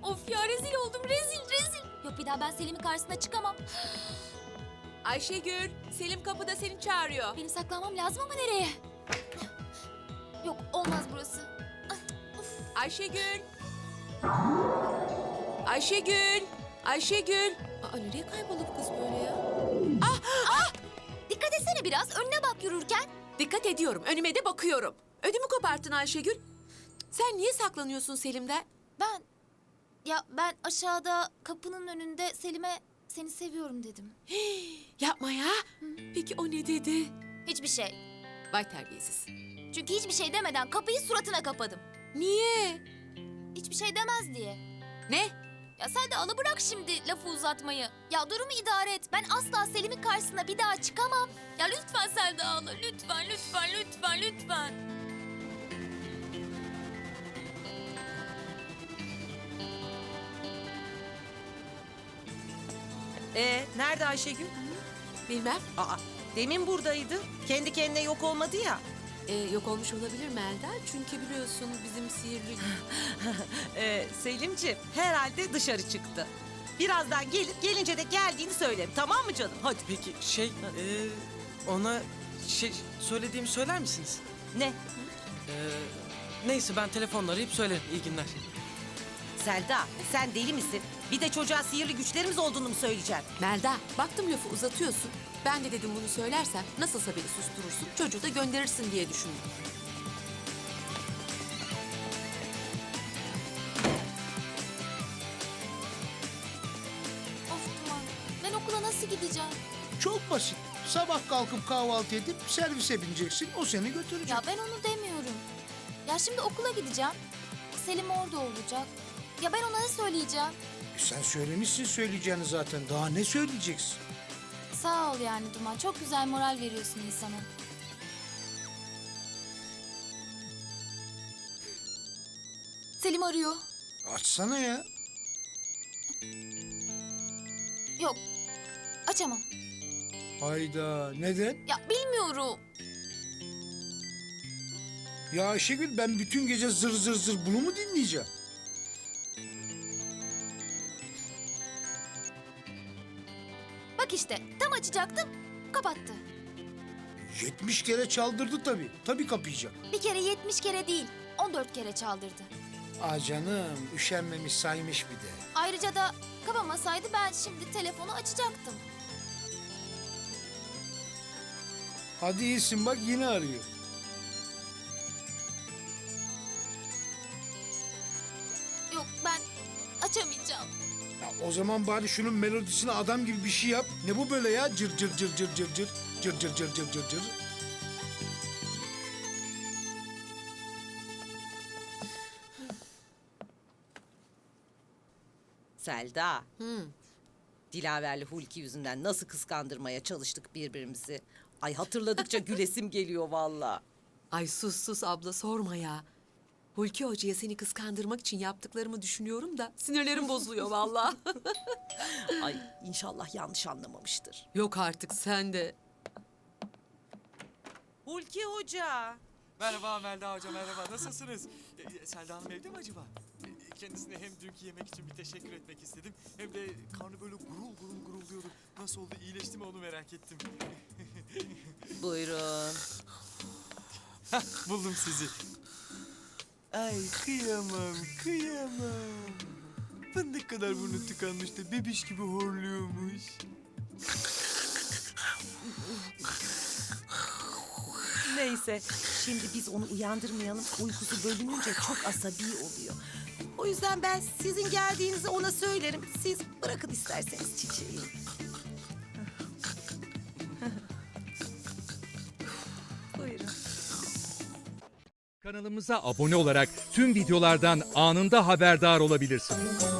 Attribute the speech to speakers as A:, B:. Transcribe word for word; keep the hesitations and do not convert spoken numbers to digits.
A: Of ya, rezil oldum, rezil rezil. Yok, bir daha ben Selim'in karşısına çıkamam.
B: Ayşegül, Selim kapıda seni çağırıyor.
A: Benim saklanmam lazım ama nereye? Yok, olmaz burası. Ay, of.
B: Ayşegül. Ayşegül. Ayşegül. Aa, nereye kayboldu bu kız böyle ya?
A: Dikkat etsene biraz, önüne bak yürürken.
B: Dikkat ediyorum, önüme de bakıyorum. Ödümü koparttın Ayşegül. Sen niye saklanıyorsun Selim'den?
A: Ben, ya ben aşağıda kapının önünde Selim'e seni seviyorum dedim.
B: Yapma ya. Peki o ne dedi?
A: Hiçbir şey.
B: Vay terbiyesiz.
A: Çünkü hiçbir şey demeden kapıyı suratına kapadım.
B: Niye?
A: Hiçbir şey demez diye.
B: Ne?
A: Ya sen de alı bırak şimdi lafı uzatmayı. Ya durumu idare et. Ben asla Selim'in karşısına bir daha çıkamam. Ya lütfen Selda abla, lütfen, lütfen, lütfen, lütfen.
C: Ee, nerede Ayşegül?
B: Bilmem.
C: Aa, demin buradaydı. Kendi kendine yok olmadı ya.
B: Ee, yok olmuş olabilir Melda. Çünkü biliyorsun bizim sihirli...
C: Ee, Selimciğim herhalde dışarı çıktı. Birazdan gelir, gelince de geldiğini söylerim. Tamam mı canım? Hadi.
D: Peki şey eee, ona şey söylediğimi söyler misiniz?
C: Ne?
D: Eee, neyse ben telefonla arayıp söylerim. İyi günler.
C: Selda, sen deli misin? Bir de çocuğa sihirli güçlerimiz olduğunu mu söyleyeceksin?
B: Melda, baktım lafı uzatıyorsun. Ben de dedim bunu söylersen nasılsa beni susturursun, çocuğu da gönderirsin diye düşündüm.
A: Of Duman, ben okula nasıl gideceğim?
E: Çok basit. Sabah kalkıp kahvaltı edip servise bineceksin. O seni götürecek.
A: Ya ben onu demiyorum. Ya şimdi okula gideceğim. Selim orada olacak. Ya ben ona ne söyleyeceğim?
E: E sen söylemişsin söyleyeceğini zaten. Daha ne söyleyeceksin?
A: Sağ ol yani Duman. Çok güzel moral veriyorsun insana. Selim arıyor.
E: Açsana ya.
A: Yok. Açamam.
E: Hayda. Neden?
A: Ya bilmiyorum.
E: Ya Ayşegül ben bütün gece zır zır zır bunu mu dinleyeceğim?
A: Bak işte tam açacaktım. Kapattı.
E: Yetmiş kere çaldırdı tabii. Tabii kapayacak.
A: Bir kere yetmiş kere değil. On dört kere çaldırdı.
E: Aa canım üşenmemiş saymış bir de.
A: Ayrıca da kapamasaydı ben şimdi telefonu açacaktım.
E: Hadi iyisin bak yine arıyor.
A: Yok ben açamayacağım.
E: Ya o zaman bari şunun melodisine adam gibi bir şey yap. Ne bu böyle ya? Cır cır cır cır cır cır. Cır cır cır cır cır cır.
C: Selda,
B: Hmm.
C: Dilaver'le Hulki yüzünden nasıl kıskandırmaya çalıştık birbirimizi. Ay hatırladıkça gülesim geliyor vallahi.
B: Ay sus sus abla, sorma ya. Hulki Hoca'ya seni kıskandırmak için yaptıklarımı düşünüyorum da sinirlerim bozuluyor vallahi.
C: Ay inşallah yanlış anlamamıştır.
B: Yok artık sen de.
C: Hulki Hoca.
F: Merhaba Melda Hoca, merhaba. Nasılsınız? Ee, Selda Hanım evde mi acaba? Ee, Kendisine hem dünkü yemek için bir teşekkür etmek istedim. Hem de karnı böyle gurul gurul gurulduyordu. Nasıl oldu, iyileşti mi onu merak ettim.
C: Buyurun.
F: Buldum sizi. Ay kıyamam, kıyamam. Fındık kadar burnu tıkanmış da bebiş gibi horluyormuş.
C: Neyse şimdi biz onu uyandırmayalım. Uykusu bölününce çok asabi oluyor. O yüzden ben sizin geldiğinizi ona söylerim. Siz bırakın isterseniz çiçeği. Buyurun.
G: Kanalımıza abone olarak tüm videolardan anında haberdar olabilirsiniz.